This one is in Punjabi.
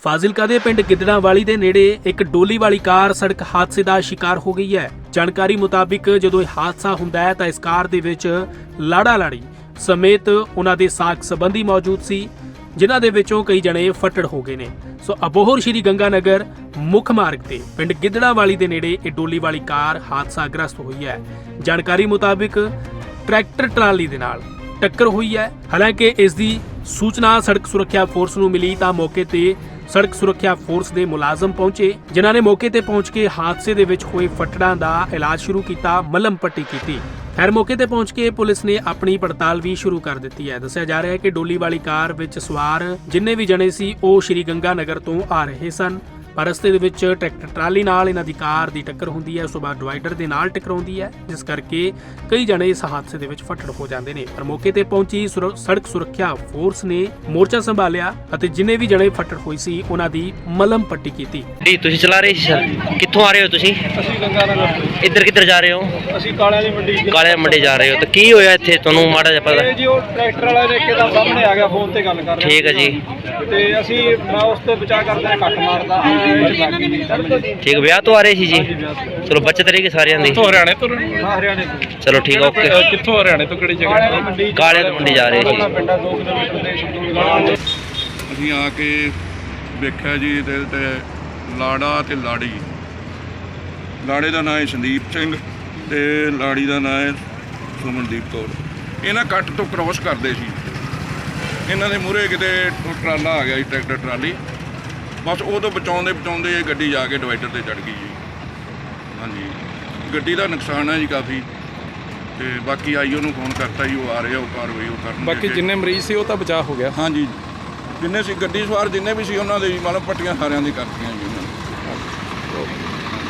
ਫਾਜ਼ਿਲਕਾ ਦੇ ਪਿੰਡ ਗਿੱਦੜਾਂਵਾਲੀ ਦੇ ਨੇੜੇ ਇੱਕ ਡੋਲੀ ਵਾਲੀ ਕਾਰ ਸੜਕ ਹਾਦਸੇ ਦਾ ਸ਼ਿਕਾਰ ਹੋ ਗਈ ਹੈ। ਜਾਣਕਾਰੀ ਮੁਤਾਬਿਕ ਜਦੋਂ ਇਹ ਹਾਦਸਾ ਹੁੰਦਾ ਹੈ ਤਾਂ ਇਸ ਕਾਰ ਦੇ ਵਿੱਚ ਲਾੜਾ ਲਾੜੀ ਸਮੇਤ ਉਹਨਾਂ ਦੇ ਸਾਕ ਸੰਬੰਧੀ ਮੌਜੂਦ ਸੀ, ਜਿਨ੍ਹਾਂ ਦੇ ਵਿੱਚੋਂ ਕਈ ਜਣੇ ਫੱਟੜ ਹੋ ਗਏ ਨੇ। ਸੋ ਅਬੋਹਰ ਸ਼੍ਰੀ ਗੰਗਾਨਗਰ ਮੁੱਖ ਮਾਰਗ ਤੇ ਪਿੰਡ ਗਿੱਦੜਾਂਵਾਲੀ ਦੇ ਨੇੜੇ ਇਹ ਡੋਲੀ ਵਾਲੀ ਕਾਰ ਹਾਦਸਾਗ੍ਰਸਤ ਹੋਈ ਹੈ। ਜਾਣਕਾਰੀ ਮੁਤਾਬਿਕ ਟਰੈਕਟਰ ਟਰਾਲੀ ਦੇ ਨਾਲ ਟੱਕਰ ਹੋਈ ਹੈ। ਹਾਲਾਂਕਿ ਇਸ ਦੀ ਸੂਚਨਾ ਸੜਕ ਸੁਰੱਖਿਆ ਫੋਰਸ ਨੂੰ ਮਿਲੀ ਤਾਂ ਮੌਕੇ ਤੇ ਸੜਕ ਸੁਰੱਖਿਆ ਫੋਰਸ ਦੇ ਮੁਲਾਜ਼ਮ ਪਹੁੰਚੇ, ਜਿਨ੍ਹਾਂ ਨੇ ਮੌਕੇ ਤੇ ਪਹੁੰਚ ਕੇ ਹਾਦਸੇ ਦੇ ਵਿੱਚ ਹੋਏ ਫੱਟੜਾਂ ਦਾ ਇਲਾਜ ਸ਼ੁਰੂ ਕੀਤਾ, ਮਲਮ ਪੱਟੀ ਕੀਤੀ। ਖੈਰ ਮੌਕੇ ਤੇ ਪਹੁੰਚ ਕੇ ਪੁਲਿਸ ਨੇ ਆਪਣੀ ਪੜਤਾਲ ਵੀ ਸ਼ੁਰੂ ਕਰ ਦਿੱਤੀ ਹੈ। ਦੱਸਿਆ ਜਾ ਰਿਹਾ ਹੈ ਕਿ ਡੋਲੀ ਵਾਲੀ ਕਾਰ ਵਿੱਚ ਸਵਾਰ ਜਿੰਨੇ ਵੀ ਜਣੇ ਸੀ ਉਹ ਸ਼੍ਰੀ ਗੰਗਾਨਗਰ ਤੋਂ ਆ ਰਹੇ ਸਨ, ਪਰ ਰਸਤੇ ਦੇ ਵਿੱਚ ਟਰੈਕਟਰ ਟਰਾਲੀ ਨਾਲ ਇਹਨਾਂ ਦੀ ਕਾਰ ਦੀ ਟੱਕਰ ਹੁੰਦੀ ਹੈ। ਉਸ ਤੋਂ ਬਾਅਦ ਡਿਵਾਈਡਰ ਦੇ ਨਾਲ ਟਕਰਾਉਂਦੀ ਹੈ, ਜਿਸ ਕਰਕੇ ਕਈ ਜਣੇ ਇਸ ਹਾਦਸੇ ਦੇ ਵਿੱਚ ਫੱਟੜ ਹੋ ਜਾਂਦੇ ਨੇ। ਪਰ ਮੌਕੇ ਤੇ ਪਹੁੰਚੀ ਸੜਕ ਸੁਰੱਖਿਆ ਫੋਰਸ ਨੇ ਮੋਰਚਾ ਸੰਭਾਲਿਆ ਅਤੇ ਜਿੰਨੇ ਵੀ ਜਣੇ ਫੱਟੜ ਹੋਏ ਸੀ ਉਹਨਾਂ ਦੀ ਮਲਮ ਪੱਟੀ ਕੀਤੀ। ਜੀ ਤੁਸੀਂ ਚਲਾ ਰਹੇ ਸੀ ਸਰ, ਕਿੱਥੋਂ ਆ ਰਹੇ ਹੋ ਤੁਸੀਂ? ਅਸੀਂ ਗੰਗਾਨਗਰ ਤੋਂ। ਇੱਧਰ ਕਿੱਧਰ ਜਾ ਰਹੇ ਹੋ? ਅਸੀਂ ਕਾਲਿਆਂ ਦੀ ਮੰਡੀ ਕਾਲੇ ਮੰਡੀ ਜਾ ਰਹੇ ਹੋ, ਤਾਂ ਕੀ ਹੋਇਆ ਇੱਥੇ ਤੁਹਾਨੂੰ ਮਾੜਾ ਜਿਹਾ ਪਤਾ? ਜੀ ਉਹ ਟਰੈਕਟਰ ਵਾਲਾ ਦੇਖ ਕੇ ਤਾਂ ਸਾਹਮਣੇ ਆ ਗਿਆ, ਫੋਨ ਤੇ ਗੱਲ ਕਰ ਰਿਹਾ। ਠੀਕ ਹੈ ਜੀ। ਤੇ ਅਸੀਂ ਮੈਂ ਉਸ ਤੋਂ ਬਚਾ ਕਰਦਾ ਕੱਟ ਮਾਰਦਾ ਠੀਕ, ਵਿਆਹ ਤੋਂ ਆ ਰਹੇ ਸੀ ਜੀ? ਚਲੋ ਬੱਚਤ ਰਹੇਗੀ ਸਾਰਿਆਂ ਦੀ। ਹਰਿਆਣੇ ਤੋਂ? ਹਾਂ ਹਰਿਆਣੇ ਤੋਂ। ਚਲੋ ਠੀਕ, ਓਕੇ। ਕਿੱਥੋਂ ਹਰਿਆਣੇ ਤੋਂ ਕਿਹੜੀ ਜਗ੍ਹਾ? ਕਾਲੇ ਦੀ ਮੰਡੀ ਜਾ ਰਹੇ ਸੀ। ਪਿੰਡਾਂ 2 ਕਿਲੋਮੀਟਰ ਦੇ ਸ਼ਡੂਲ। ਅਸੀਂ ਆ ਕੇ ਵੇਖਿਆ ਜੀ ਇਹਦੇ ਤੇ ਲਾੜਾ ਤੇ ਲਾੜੀ, ਲਾੜੇ ਦਾ ਨਾਂ ਹੈ ਸੰਦੀਪ ਸਿੰਘ ਤੇ ਲਾੜੀ ਦਾ ਨਾਂ ਹੈ ਸੁਮਨਦੀਪ ਕੌਰ। ਇਹਨਾਂ ਕੱਟ ਤੋਂ ਕ੍ਰੋਸ ਕਰਦੇ ਸੀ, ਇਹਨਾਂ ਦੇ ਮੂਹਰੇ ਕਿਤੇ ਟਰਾਲਾ ਆ ਗਿਆ ਜੀ, ਟਰੈਕਟਰ ਟਰਾਲੀ। ਬਸ ਉਹ ਤੋਂ ਬਚਾਉਂਦੇ ਬਚਾਉਂਦੇ ਇਹ ਗੱਡੀ ਜਾ ਕੇ ਡਿਵਾਈਡਰ ਤੇ ਚੜ੍ਹ ਗਈ ਜੀ। ਹਾਂਜੀ, ਗੱਡੀ ਦਾ ਨੁਕਸਾਨ ਹੈ ਜੀ ਕਾਫੀ, ਤੇ ਬਾਕੀ ਆਈਓ ਨੂੰ ਫੋਨ ਕਰਤਾ ਜੀ, ਉਹ ਆ ਰਿਹਾ, ਉਹ ਕਾਰਵਾਈ ਉਹ ਕਰਨ। ਬਾਕੀ ਜਿੰਨੇ ਮਰੀਜ਼ ਸੀ ਉਹ ਤਾਂ ਬਚਾਅ ਹੋ ਗਿਆ? ਹਾਂਜੀ, ਜਿੰਨੇ ਸੀ ਗੱਡੀ ਸਵਾਰ ਜਿੰਨੇ ਵੀ ਸੀ ਉਹਨਾਂ ਦੇ ਮਤਲਬ ਪੱਟੀਆਂ ਸਾਰਿਆਂ ਦੀ ਕਰਤੀਆਂ ਜੀ ਉਹਨਾਂ ਨੇ।